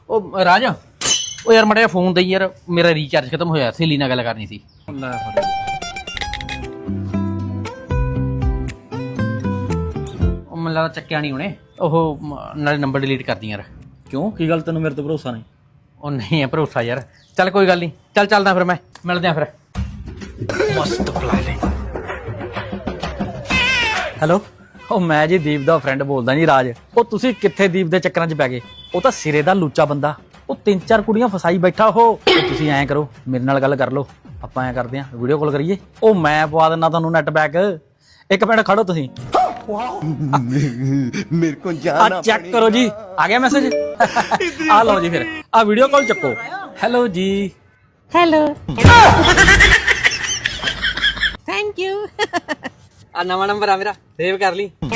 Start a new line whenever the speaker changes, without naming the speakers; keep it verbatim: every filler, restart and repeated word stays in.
ਉਹ ਰਾਜ ਉਹ ਯਾਰ ਮੜਿਆ ਫੋਨ ਦੇ ਯਾਰ ਮੇਰਾ ਰੀਚਾਰਜ ਖਤਮ ਹੋਇਆ ਸਹੇਲੀ ਨਾਲ ਗੱਲ ਕਰਨੀ ਸੀ। ਲੈ ਫੜ ਉਹ ਮੈਨੂੰ ਲੱਗਦਾ ਚੱਕਿਆ ਨਹੀਂ ਉਹਨੇ। ਉਹ ਨਾਲੇ ਨੰਬਰ ਡਿਲੀਟ ਕਰਦੀ ਯਾਰ।
ਕਿਉਂ ਕੀ ਗੱਲ ਤੈਨੂੰ ਮੇਰੇ ਤੇ ਭਰੋਸਾ ਨਹੀਂ?
ਉਹ ਨਹੀਂ ਹੈ ਭਰੋਸਾ ਯਾਰ। ਚੱਲ ਕੋਈ ਗੱਲ ਨਹੀਂ, ਚੱਲ ਚੱਲਦਾ ਫਿਰ ਮੈਂ ਮਿਲਦੇ ਆ ਫਿਰ। ਮਸਤ ਪਲਾ ਲਈ।
ਹੈਲੋ ਉਹ ਮੈਂ ਜੀ ਦੀਪ ਦਾ ਫਰੈਂਡ ਬੋਲਦਾ ਜੀ ਰਾਜ। ਉਹ ਤੁਸੀਂ ਕਿੱਥੇ ਦੀਪ ਦੇ ਚੱਕਰਾਂ 'ਚ ਪੈ ਗਏ? ਉਹ ਤਾਂ ਸਿਰੇ ਦਾ ਲੂਚਾ ਬੰਦਾ। ਉਹ ਤਿੰਨ ਚਾਰ ਕੁੜੀਆਂ ਫਸਾਈ ਬੈਠਾ। ਉਹ ਤੁਸੀਂ ਐਂ ਕਰੋ ਮੇਰੇ ਨਾਲ ਗੱਲ ਕਰ ਲਓ, ਆਪਾਂ ਐਂ ਕਰਦੇ ਆਂ ਵੀਡੀਓ ਕਾਲ ਕਰੀਏ। ਉਹ ਮੈਂ ਪਵਾ ਦਿੰਦਾ ਤੁਹਾਨੂੰ ਨੈਟ ਪੈਕ। ਇੱਕ ਮਿੰਟ ਖੜੋ ਤੁਸੀਂ।
ਮੇਰੇ ਕੋ ਜਾਣਾ
ਆ ਚੈੱਕ ਕਰੋ ਜੀ, ਆ ਗਿਆ ਮੈਸੇਜ। ਆ ਲਓ ਜੀ ਫਿਰ ਆ ਵੀਡੀਓ ਕਾਲ ਚੱਕੋ। ਹੈਲੋ ਜੀ।
Hello thank you. ਆ ਨਵਾਂ ਨੰਬਰ ਆ ਮੇਰਾ, ਸੇਵ ਕਰ ਲਈ।